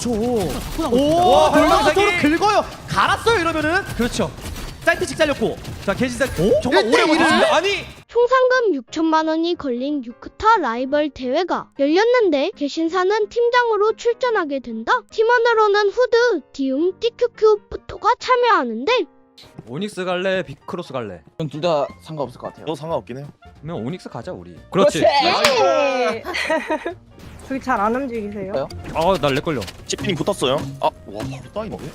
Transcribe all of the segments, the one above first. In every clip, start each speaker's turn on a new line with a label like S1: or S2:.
S1: 그쵸. 오, 돌면서로 긁어요. 갈았어요 이러면은.
S2: 그렇죠.
S1: 사이트 직 잘렸고.
S2: 자 개진사
S1: 오?
S2: 정말 오래
S1: 1대1을?
S2: 버텼습니다. 아니
S3: 총 상금 6천만 원이 걸린 유크타 라이벌 대회가 열렸는데 개신사는 팀장으로 출전하게 된다. 팀원으로는 후드, 디움, TQQ, 부토가 참여하는데
S2: 오닉스 갈래 비크로스 갈래?
S4: 전 둘 다 상관없을 것 같아요.
S5: 너 상관없긴 해요.
S2: 그러면 오닉스 가자 우리. 그렇지.
S6: 예. 저기 잘 안 움직이세요?
S2: 날 렉걸려.
S5: 치피님 붙었어요. 아, 와, 바로 따이는데?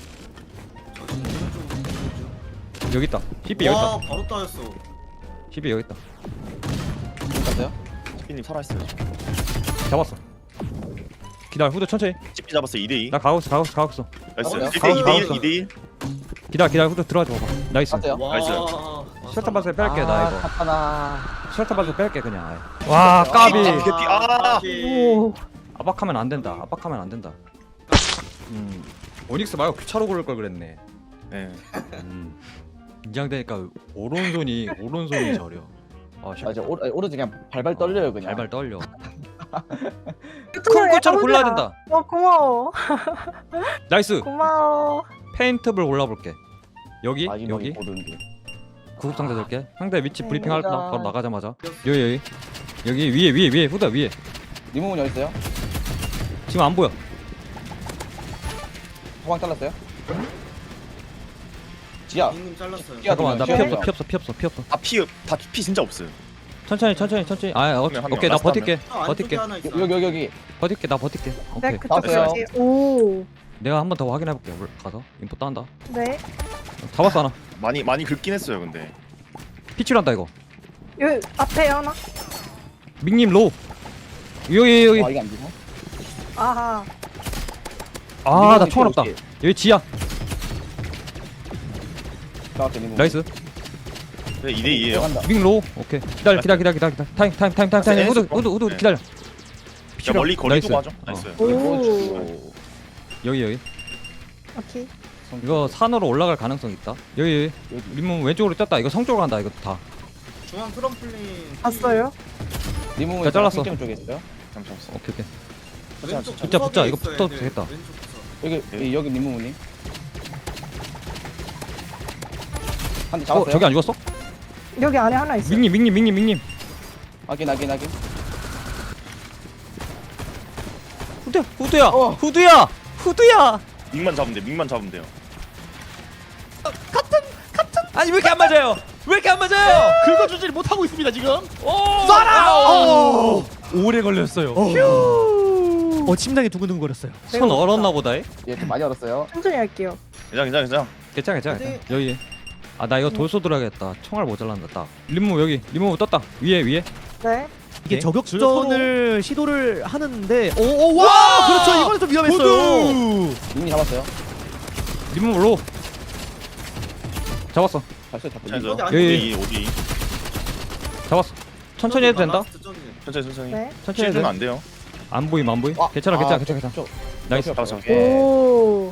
S2: 여기 있다. 히비 여기 있다.
S7: 바로 따였어.
S2: 히비 여기 있다.
S4: 갔어요?
S5: 치피님 살아있어요.
S2: 잡았어. 기다려 후드 천천히.
S5: 치피 잡았어 2대2.
S2: 나 가고 있어.
S5: 나이스.
S4: 가봤어요?
S5: 1대2, 2대1.
S2: 기다려 후드 들어가지 봐봐. 나이스.
S4: 갔어요?
S5: 나이스.
S2: 셔터 바스 뺄게 나 이거.
S4: 갔다나.
S2: 셔터 바스 뺄게 그냥. 아예. 와 까비.
S5: 개피. 아,
S6: 오.
S2: 압박하면 안 된다. 압박하면 안 된다. 오닉스 말고 귀차로 고를 걸 그랬네.
S5: 네.
S2: 긴장되니까 오른손이 저려. 아,
S4: 아 이제 오른쪽 그냥 발발 떨려요 그냥.
S2: 발발 떨려. 큰
S6: 큰
S2: 것처럼 골라야 된다.
S6: 고마워.
S2: 나이스.
S6: 고마워.
S2: 페인트블 올라볼게. 여기
S4: 마지막에
S2: 여기
S4: 보던데.
S2: 구급 상자 들게. 상대 위치
S6: 네,
S2: 브리핑 할까?
S6: 맞아.
S2: 바로 나가자마자. 여기 위에 후다 위에.
S4: 리모컨 어디 있어요?
S2: 지금 안 보여.
S4: 호강 잘랐어요? 지야.
S7: 임금 잘랐어요.
S2: 잠깐만 나 피
S4: 지야,
S2: 없어
S4: 지야.
S2: 피 없어.
S5: 피 진짜 없어요.
S2: 천천히. 아
S5: 한 명,
S2: 오케이 나
S5: 라스트
S2: 버틸게.
S7: 아, 안쪽에 하나 있어.
S4: 여기.
S2: 버틸게 나 버틸게. 오케이.
S6: 네, 그쪽
S4: 나왔어요.
S6: 저기. 오.
S2: 내가 한 번 더 확인해 볼게. 가서 인포 따한다.
S6: 네.
S2: 잡았어 하나.
S5: 많이 긁긴 했어요, 근데.
S2: 피출한다 이거.
S6: 여기 앞에 하나.
S2: 밍님 로우. 여기.
S4: 아 이게 안 되나?
S6: 아하.
S2: 아 나 총알 없다. 여기 지야.
S4: 나왔어 리모컨.
S2: 나이스.
S5: 네, 2대2에요.
S4: 들어간다.
S2: 밍 로우. 오케이. 기다려. 타임. 후드
S5: 네.
S2: 기다려.
S5: 야, 멀리 거리
S2: 나이스.
S5: 두고 하죠. 나이스.
S6: 오.
S2: 여기.
S6: 오케이.
S2: 이거 산으로 올라갈 가능성 있다. 여기. 림문 왼쪽으로 떴다. 이거 성 쪽으로 간다. 이거 다.
S7: 중앙 트럼플린.
S6: 봤어요?
S4: 리모컨
S2: 자, 잘랐어.
S4: 쪽에 있어요?
S5: 잠시만.
S2: 오케이.
S7: 왼쪽
S2: 붙자.
S7: 구석에
S2: 이거
S7: 있어야
S2: 붙어도
S7: 돼.
S2: 되겠다.
S7: 왼쪽 구석.
S4: 여기 리모컨님. 한 대 잡았어요?
S2: 저기 안 죽었어?
S6: 여기 안에 하나 있어.
S2: 밍님.
S4: 확인.
S2: 후드야.
S4: 어.
S2: 후드야.
S5: 밍만 잡으면 돼요.
S2: 아니 왜 이렇게 안 맞아요?
S1: 긁어주질 못하고 있습니다 지금.
S2: 쏴라. 오래 걸렸어요.
S1: 심장이 두근두근 거렸어요.
S2: 손 얼었나 보다.
S4: 예, 좀 많이 얼었어요.
S6: 천천히 할게요.
S5: 괜찮아.
S2: 괜찮아. 여기. 아 나 이거 돌소 들어야겠다. 총알 모자란다. 딱. 림무 떴다. 위에.
S6: 네.
S1: 이게
S2: 오케이.
S1: 저격전을 시도를 하는데 와 그렇죠 이번에 좀 위험했어요.
S4: 이미 잡았어요.
S2: 림무 로. 잡았어.
S4: 발소리 잡고.
S5: 괜찮아요.
S7: 저기 안
S5: 5대2, 5대2.
S2: 잡았어. 천천히 해도 된다.
S5: 천천히.
S6: 네.
S2: 천천히 해도
S5: 실주면
S2: 돼.
S5: 안 돼요.
S2: 안 보임.
S4: 와,
S2: 괜찮아.
S4: 저,
S2: 나이스.
S5: 잡았어.
S6: 오.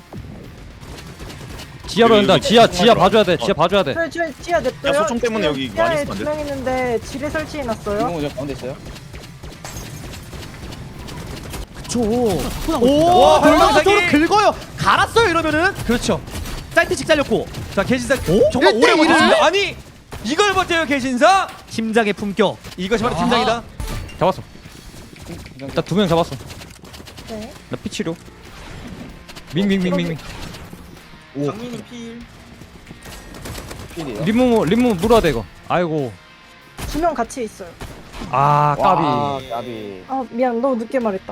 S2: 지하로 된다. 지하
S5: 들어와.
S2: 봐줘야 돼. 지하 봐줘야 돼.
S6: 저 지하 냈어요.
S5: 야, 소총 때문에 여기 많이
S6: 지하에
S5: 있으면 안 돼?
S6: 2명 있는데 지뢰 설치해놨어요.
S4: 리모컨 저 가운데 있어요?
S1: 그쵸.
S2: 와,
S1: 돌면서로
S2: 돌면서로
S1: 긁어요. 갈았어요 이러면은.
S2: 그렇죠.
S1: 사이트 직 잘렸고.
S2: 자 개신사
S1: 오?
S2: 정말 오래
S1: 1대1을?
S2: 버텼습니다. 아니 이걸 버텨요 개신사.
S1: 심장의 품격.
S2: 이것이 바로 팀장이다. 잡았어. 나 2명 잡았어.
S6: 네.
S2: 나 피치료. 밍.
S7: 장민이 필.
S4: 필이에요.
S2: 림무 물어야 돼 이거. 아이고.
S6: 2명 같이 있어요.
S2: 아 까비.
S4: 와, 까비.
S6: 아 미안 너무 늦게 말했다.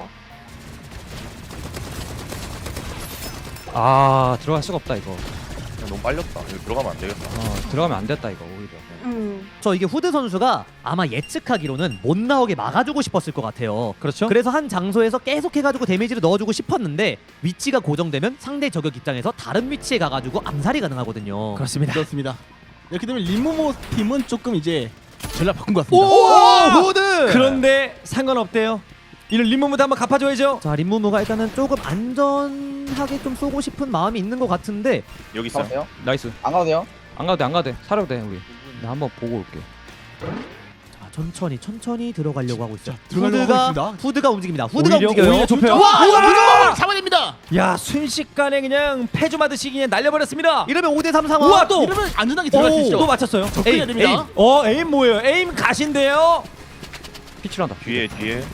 S2: 아 들어갈 수가 없다 이거.
S5: 너무 빨렸다. 여기 들어가면 안 되겠다.
S2: 들어가면 안 됐다 이거 오히려.
S1: 저 이게 후드 선수가 아마 예측하기로는 못 나오게 막아주고 싶었을 것 같아요.
S2: 그렇죠?
S1: 그래서 한 장소에서 계속 해가지고 데미지를 넣어주고 싶었는데 위치가 고정되면 상대 저격 입장에서 다른 위치에 가가지고 암살이 가능하거든요.
S8: 그렇습니다. 이렇게 되면 림모모 팀은 조금 이제 전략 바꾼 것
S1: 오,
S8: 같습니다.
S1: 후드.
S2: 그런데 상관없대요. 이런 림무무도 한번 갚아줘야죠.
S1: 자 림무무가 일단은 조금 안전하게 좀 쏘고 싶은 마음이 있는 것 같은데
S5: 여기 있어요.
S4: 잡았어요?
S2: 나이스.
S4: 안 가도 돼요?
S2: 안 가도 돼. 사려도 돼 우리. 나 한번 보고 올게.
S1: 자, 천천히 들어가려고 하고 있어요.
S8: 들어가려고 하고 있습니다.
S1: 후드가 움직입니다. 후드가
S2: 오히려
S1: 움직여요.
S2: 좁혀요.
S1: 와, 이거 무조건 잡아냅니다.
S9: 야 순식간에 그냥 패주마듯이 그냥 날려버렸습니다.
S1: 이러면 5대3 상황.
S9: 우와 또
S8: 이러면 안전하게 들어갈 수 있죠.
S9: 또 맞췄어요.
S8: 접근해야 됩니다.
S9: 에임 뭐예요? 에임 가신데요.
S2: 피치란다.
S5: 뒤에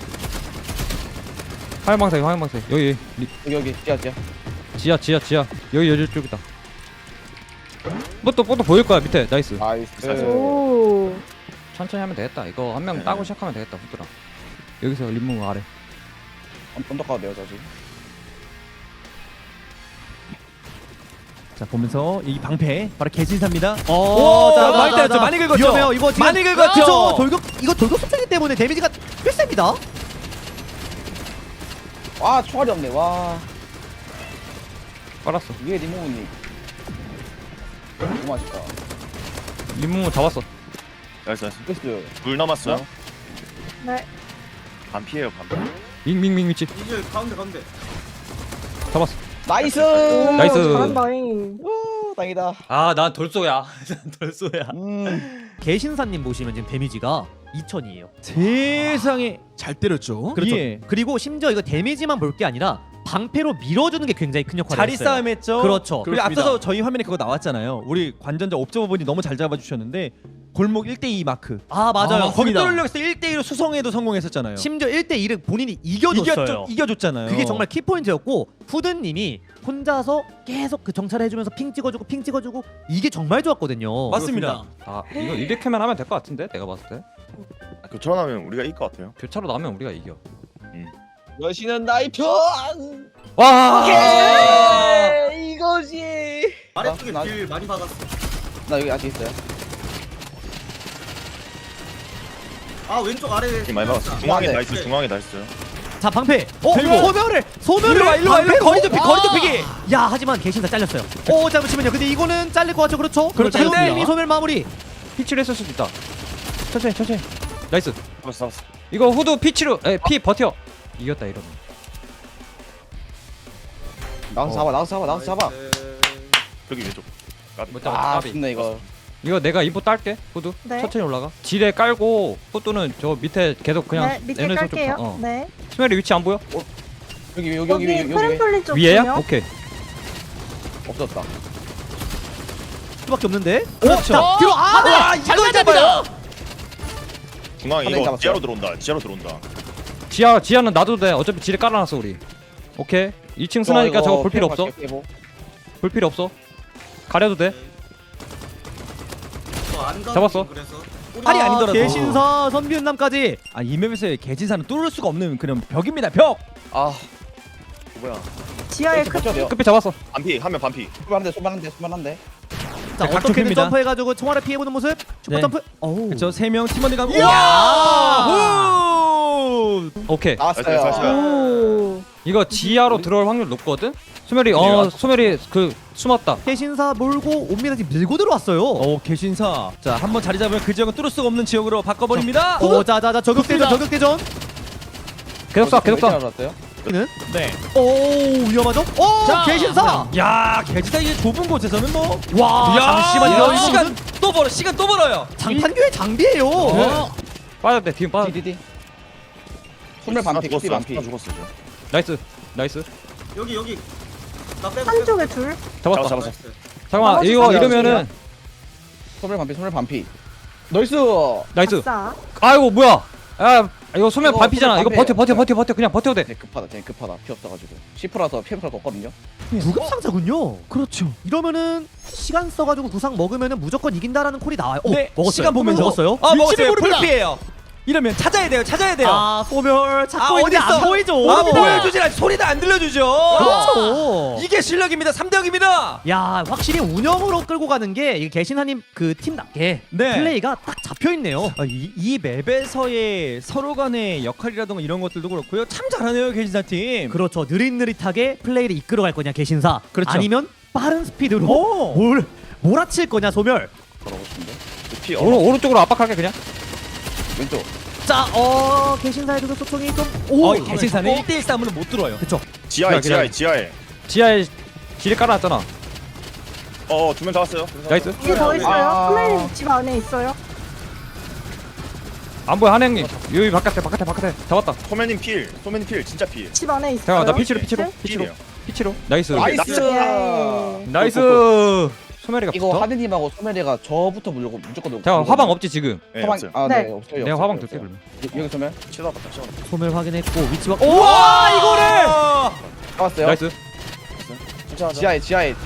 S2: 화염방사기 화염방사기. 여기
S4: 여기
S2: 지하. 여기 여기 쪽이다. 또 보일 거야 밑에. 나이스.
S4: 나이스.
S6: 오.
S2: 천천히 하면 되겠다. 이거 한 명 따고 시작하면 되겠다. 후드랑. 여기서 림무 아래.
S4: 언덕 가도 돼요, 저 지금.
S9: 자 보면서 이 방패 바로 개진사입니다.
S1: 오,
S9: 자, 많이 때렸죠. 많이 긁었죠.
S1: 위험해요. 이거 지금
S9: 많이 긁었죠.
S1: 이거 돌격 속도기 때문에 데미지가 꽤 셉니다.
S4: 와, 총알이 없네. 와,
S2: 빨았어.
S4: 위에 리모브님. 너무 맛있다.
S2: 림무 잡았어.
S5: 나이스.
S4: 됐어요.
S5: 물 남았어요.
S6: 네.
S5: 반 피해요 반.
S2: 밍밍밍 위치.
S7: 이제 가운데.
S2: 잡았어.
S4: 나이스.
S6: 오,
S2: 나이스.
S6: 잘한다잉.
S4: 오, 다행이다.
S9: 난 돌쏘야. 돌쏘야.
S1: 개신사님 보시면 지금 데미지가 2000이에요.
S9: 세상에.
S8: 잘 때렸죠.
S1: 그렇죠.
S9: 예.
S1: 그리고 심지어 이거 데미지만 볼 게 아니라 방패로 밀어주는 게 굉장히 큰 역할을
S9: 자리
S1: 했어요.
S9: 싸움 했죠.
S1: 그렇죠.
S9: 그리고 앞서서 저희 화면에 그거 나왔잖아요. 우리 관전자 옵저버분이 너무 잘 잡아주셨는데 골목 1대2 마크.
S1: 아 맞아요.
S9: 거기
S1: 거기다
S9: 뚫려서 1대1로 수성에도 성공했었잖아요.
S1: 심지어 1대1을 본인이 이겨줬어요.
S9: 이겨줬잖아요.
S1: 그게 정말 키포인트였고 후드님이 혼자서 계속 그 정찰을 해주면서 핑 찍어주고 이게 정말 좋았거든요.
S9: 맞습니다.
S2: 아 이거 이렇게만 하면 될 것 같은데 내가 봤을 때.
S5: 교차로 나면 우리가 이길 것 같아요.
S2: 교차로 나오면 우리가 이겨.
S4: 여신은 나의 편.
S2: 와.
S4: 오케이, 이거지.
S7: 아래쪽에
S4: 나-
S7: 길 많이 박았어.
S4: 나 여기 아직 있어요.
S7: 아 왼쪽 아래.
S5: 팀 많이 박았어. 중앙에 나이스. 중앙에 나이스.
S1: 자 방패.
S9: 들고.
S1: 소멸을
S9: 일로 와, 일로 와.
S1: 방패로?
S9: 거리 좁히기, 거리 좁히기.
S1: 야 하지만 개신사 잘렸어요. 잠시만요. 근데 이거는 잘릴 것 같죠, 그렇죠?
S9: 그렇죠.
S1: 태훈님이 소멸 마무리.
S2: 피치를 했을 수도 있다. 천천히. 나이스.
S5: 잡았어.
S2: 이거 후드 피치로 피 버텨. 이겼다 이러면.
S4: 나가서 잡아.
S5: 여기 왼쪽. 까비.
S2: 못 잡아.
S4: 아,
S2: 까비.
S4: 좋네 이거.
S2: 이거 내가 인포 딸게. 후드.
S6: 네.
S2: 천천히 올라가. 지뢰 깔고 후드는 저 밑에 계속 그냥
S6: 네, 밑에
S2: 얘네 좀
S6: 깔게요.
S2: 봐.
S6: 네.
S2: 스멜이 위치 안 보여?
S4: 여기
S6: 여기 트램폴린 쪽
S2: 위에야?
S6: 보면
S2: 오케이.
S4: 없었다.
S1: 수밖에 없는데.
S9: 그렇죠.
S1: 들어.
S9: 와, 이걸 잡아요.
S5: 중앙에
S4: 하나
S5: 이거
S4: 잡았어요.
S5: 지하로 들어온다.
S2: 지하는 놔도 돼. 어차피 지뢰 깔아놨어 우리. 오케이. 2층 스나니까 저거 볼 필요 없어. 볼 필요 없어. 가려도 돼.
S7: 안 가는
S2: 잡았어.
S7: 길, 그래서.
S9: 팔이 아니더라도.
S1: 개신사 선비은남까지.
S9: 이 맵에서의 개진사는 뚫을 수가 없는 그런 벽입니다. 벽.
S5: 아. 뭐야?
S6: 지하에
S4: 버텨야 돼요.
S2: 끝비 잡았어.
S5: 반피 한 명 반피.
S4: 수만한데.
S1: 자
S9: 각
S1: 어떻게든
S9: 좁힙니다.
S1: 점프해가지고 총알을 피해보는 모습. 슈퍼
S9: 네.
S1: 점프. 어우.
S9: 그렇죠. 3명 팀원들과
S2: 오케이.
S4: 나왔어요.
S6: 오.
S2: 이거 지하로 들어올 확률 높거든. 소멸이 소멸이 그 숨었다.
S1: 개신사 몰고 옵니다. 지금 밀고 들어왔어요.
S9: 개신사. 자, 한번 자리 잡으면 그 지역은 뚫을 수가 없는 지역으로 바꿔버립니다.
S1: 자자자 저격대전.
S2: 계속 쏴.
S4: 알았어요?
S1: 는
S9: 네.
S1: 오 위험하죠?
S9: 자,
S1: 개신사.
S9: 야, 개진사 이게 좁은 곳에서는 뭐.
S1: 와 잠시만요. 이거
S9: 시간 또 벌어. 시간 또 벌어요.
S1: 장판교의 장비예요.
S2: 빠졌대. 뒤에 빠졌.
S4: 디디디. 소멸 반피,
S5: 죽었어.
S4: 반피.
S5: 죽었어.
S2: 나이스.
S7: 여기. 나 빼고.
S6: 한쪽에 둘.
S2: 잡았다.
S5: 잡았어.
S2: 잠깐만.
S6: 나머지
S2: 이거
S6: 사람
S2: 이러면은
S4: 소멸 반피. 나이스.
S2: 나이스.
S6: 아싸.
S2: 아이고 뭐야? 아 이거 소멸
S4: 이거
S2: 반피잖아. 이거
S4: 소멸
S2: 버텨.
S4: 반피예요.
S2: 그냥 버텨도 돼.
S4: 되게 급하다. 피 없어가지고. 10%라서 피해가 없거든요.
S1: 구급 상자군요.
S9: 그렇죠.
S1: 이러면은 시간 써가지고 구상 먹으면은 무조건 이긴다라는 콜이 나와요.
S9: 네,
S1: 먹었어요.
S9: 시간 보면서
S1: 먹었어요.
S9: 먹었어요. 불피해요. 이러면 찾아야 돼요.
S1: 아 소멸 찾고 있는데
S9: 어딨어?
S1: 안 보이죠.
S9: 보여주질 않지. 소리도 안 들려주죠.
S1: 그렇죠.
S9: 이게 실력입니다. 3대0입니다.
S1: 야 확실히 운영으로 끌고 가는 게 이 개신하님 그 팀답게
S9: 네.
S1: 플레이가 딱 잡혀 있네요.
S9: 이 맵에서의 서로 간의 역할이라던가 이런 것들도 그렇고요. 참 잘하네요. 개진사 팀.
S1: 그렇죠. 느릿느릿하게 플레이를 이끌어갈 거냐 개신사.
S9: 그렇죠.
S1: 아니면 빠른 스피드로
S9: 오.
S1: 몰아칠 거냐 소멸.
S4: 걸어보고 싶은데.
S5: 피
S2: 오른쪽으로 압박할게 그냥.
S4: 왼쪽.
S1: 자 개신사의 그 소총이 좀
S9: 개진사는 1대1 싸움으로 못 들어요.
S1: 그렇죠.
S5: 지하에.
S2: 지하에 지뢰 깔아놨잖아.
S5: 2명 잡았어요.
S2: 나이스.
S6: 뒤에 더 있어요.
S4: 아.
S6: 플레임 집 안에 있어요.
S2: 안 보여 한행님. 여기 바깥에 잡았다.
S5: 소매님 필 진짜 필.
S6: 집 안에 있어요.
S2: 잠깐만 나 피치로.
S6: 네?
S5: 필이에요.
S2: 피치로. 나이스.
S4: 나이스.
S2: 나이스. 소멸이가
S4: 이거
S2: 붙어.
S4: 하드님하고 소멸이가 저부터 물려고 무조건 놓고.
S2: 자 화방 없지 지금.
S5: 네,
S4: 화방
S5: 없어요.
S4: 아
S6: 네.
S4: 네 없어요.
S2: 내가
S4: 없어요,
S2: 화방
S4: 없어요.
S2: 둘게 그러면.
S4: 여기 소멸
S5: 치다 봤다 치다 봤다.
S1: 소멸 확인했고 위치와
S9: 우와 이거를.
S4: 잡았어요.
S2: 나이스.
S4: 지하에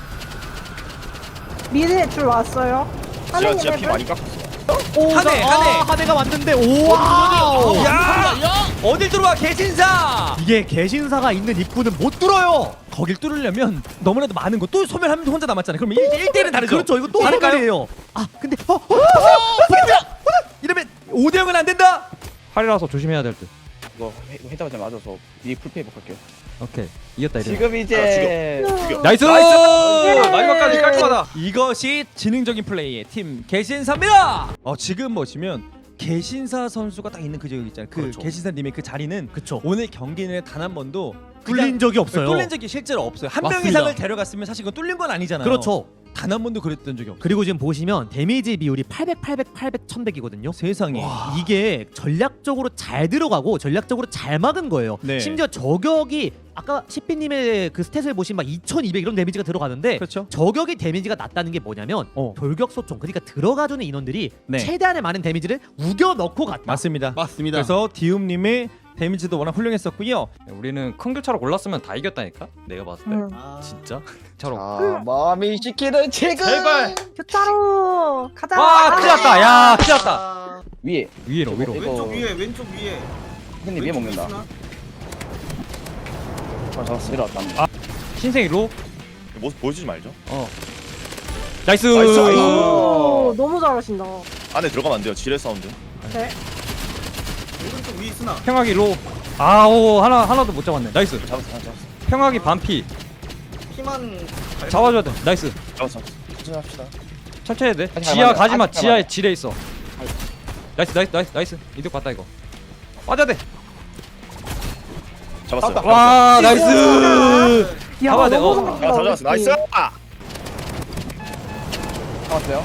S6: 미드에 줄 왔어요.
S5: 지하
S6: 하느님
S5: 피
S6: 해볼?
S5: 많이 깎았어.
S9: 한해.
S1: 하대가 왔는데 오와
S9: 야 어딜 들어와 개신사.
S1: 이게 개신사가 있는 입구는 못 뚫어요.
S9: 거길 뚫으려면 너무나도 많은 거. 또 소멸하면 혼자 남았잖아요. 그럼 1대1은 다르죠.
S1: 그렇죠. 이거 또
S9: 다를까요?
S1: 소멸이에요. 아 근데
S9: 이러면 5대0은 안 된다.
S2: 팔이라서 조심해야 될 듯.
S4: 이거 해다가 좀 맞아서 이 풀페이 볼게요.
S2: 오케이. 이겼다 이래.
S4: 지금 이제
S5: 죽여.
S2: 나이스.
S9: 마지막까지 깔끔하다. 이것이 지능적인 플레이의 팀 개신사입니다. 지금 보시면 개신사 선수가 딱 있는 그 지역 있잖아요. 그
S5: 그렇죠.
S9: 개신사님의 그 자리는
S1: 그쵸.
S9: 오늘 경기 내에 단 한 번도
S1: 뚫린 적이 없어요.
S9: 뚫린 적이 실제로 없어요. 한 명
S1: 맞습니다.
S9: 이상을 데려갔으면 사실 그건 뚫린 건 아니잖아요.
S1: 그렇죠.
S9: 단 한 번도 그랬던 적이 없어요.
S1: 그리고 지금 보시면 데미지 비율이 800, 800, 800, 1100이거든요.
S9: 세상에.
S1: 이게 전략적으로 잘 들어가고 전략적으로 잘 막은 거예요.
S9: 네.
S1: 심지어 저격이 아까 시피님의 그 스탯을 보시면 막 2200 이런 데미지가 들어가는데
S9: 그렇죠.
S1: 저격이 데미지가 낮다는 게 뭐냐면 돌격소총 그러니까 들어가주는 인원들이
S9: 네.
S1: 최대한의 많은 데미지를 우겨 넣고 갔다.
S9: 맞습니다.
S8: 맞습니다.
S9: 그래서 디움님의 데미지도 워낙 훌륭했었고요.
S2: 우리는 큰 교차로 골랐으면 다 이겼다니까. 내가 봤을 때.
S7: 아,
S2: 진짜? 차로.
S4: 아 마음이 시키는 지금
S6: 교차로 가자.
S2: 와 큰일 났다. 야 큰일 났다.
S7: 아,
S4: 위에
S2: 위로 위로.
S4: 이거-
S7: 왼쪽 위에
S4: 형님 위에 먹는다.
S7: 있으나?
S4: 잡았어. 내려왔다.
S2: 신생 일로.
S5: 모습 보여주지 말죠.
S2: 나이스.
S5: 나이스.
S6: 오, 너무 잘하신다.
S5: 안에 들어가면 안 돼요. 지뢰 사운드.
S6: 네.
S7: 오른쪽 위에 있으나?
S2: 평화기 일로. 아오 하나도 못 잡았네. 나이스.
S5: 잡았어.
S2: 평화기 반피.
S7: 피만
S2: 잡아줘야 돼. 나이스.
S5: 잡았어. 천천히 합시다.
S2: 천천히 해야 돼.
S4: 아직
S2: 지하
S4: 안
S2: 가지 마.
S4: 아직 안
S2: 지하에
S4: 맞아.
S2: 지뢰 있어. 나이스. 이득 봤다 이거. 빠져야 돼.
S5: 잡았어요.
S2: 와 나이스.
S6: 야,
S2: 잡아야 돼,
S6: 너무
S2: 어.
S6: 잘한다,
S5: 잘
S6: 우리
S5: 잡았어. 나이스.
S6: 팀.
S4: 잡았어요.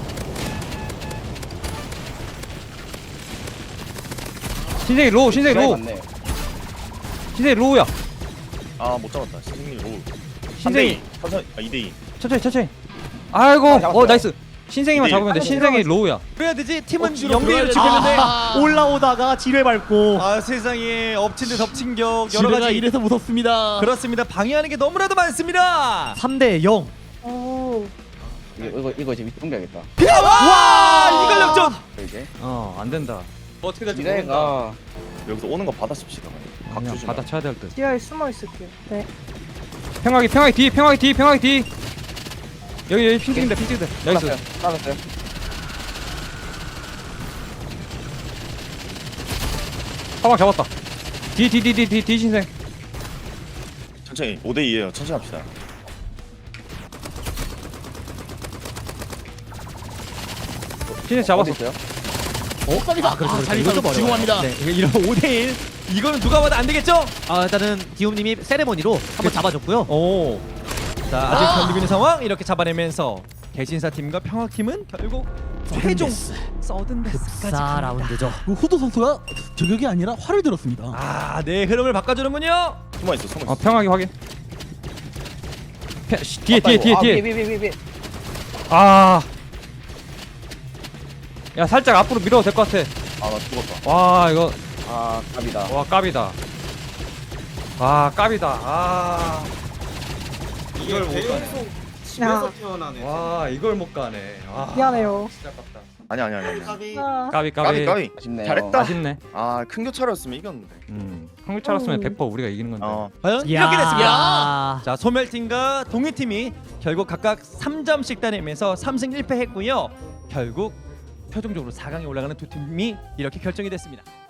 S2: 신생이 로우.
S4: 지하에
S2: 신생이 로우야.
S5: 아 못 잡았다. 신생님 로우.
S2: 신생이
S5: 천천히. 2대2.
S2: 천천히. 아이고
S4: 잡았어요.
S2: 나이스. 신생이만
S5: 이제
S2: 잡으면 돼. 신생이 로우야.
S9: 그래야 되지. 팀은
S8: 억지로
S9: 0대1로
S8: 들어가야
S9: 지켰는데
S1: 올라오다가 지뢰 밟고
S9: 세상에 엎친 데 덮친 격 여러
S8: 지뢰가
S9: 가지.
S8: 이래서 무섭습니다.
S9: 그렇습니다. 방해하는 게 너무나도 많습니다.
S1: 3대 0.
S6: 오.
S4: 이거 이제 밑에 옮겨야겠다.
S9: 와 이걸 역전.
S4: 이제
S2: 안 된다.
S9: 어떻게 될지 모른다.
S4: 미래가
S5: 여기서 오는 거 받아줍시다. 각
S2: 그냥
S5: 주지
S2: 받아
S5: 마.
S2: 쳐야 될 듯.
S6: 지하에 숨어 있을게요. 네.
S2: 평화기 뒤. 여기 핑 찍는다. 나이스.
S4: 잡았어요.
S2: 화방 잡았다. 뒤 신생.
S5: 천천히. 5대2에요. 천천히 합시다.
S2: 신생 잡았어.
S4: 어디 있어요?
S8: 아, 그렇죠. 자리 이거 지공합니다.
S9: 네, 이런 5대1 이거는 누가 봐도 안 되겠죠?
S1: 일단은 디움님이 세레모니로 한번 잡아줬고요.
S9: 오. 자 아직 견디고 있는 상황 이렇게 잡아내면서 개신사 팀과 평학 팀은 결국 최종 서든데스까지
S1: 사
S9: 갑니다.
S1: 라운드죠.
S8: 그 후드 선수가 저격이 아니라 활을 들었습니다.
S9: 네 흐름을 바꿔주는군요.
S5: 숨어있어.
S2: 평화기 확인. 뒤에.
S4: 위에.
S2: 아. 야 살짝 앞으로 밀어도 될 것 같아.
S5: 아나 죽었다.
S2: 와 이거
S4: 아 갑이다.
S2: 와 깝이다. 아.
S7: 이걸 계속 집에서 태어나네.
S2: 와 이걸 못 가네. 와.
S6: 미안해요.
S2: 진짜 깝다.
S5: 아니.
S7: 까비.
S6: 아,
S5: 까비.
S4: 아쉽네요.
S5: 잘했다.
S2: 아쉽네.
S5: 큰 교차로였으면 이겼는데.
S2: 한국 차렸으면 100% 우리가 이기는 건데.
S9: 과연
S1: 야.
S9: 이렇게 됐습니다. 자 소멸팀과 동해팀이 결국 각각 3점씩 따내면서 3승 1패 했고요. 결국 최종적으로 4강에 올라가는 두 팀이 이렇게 결정이 됐습니다.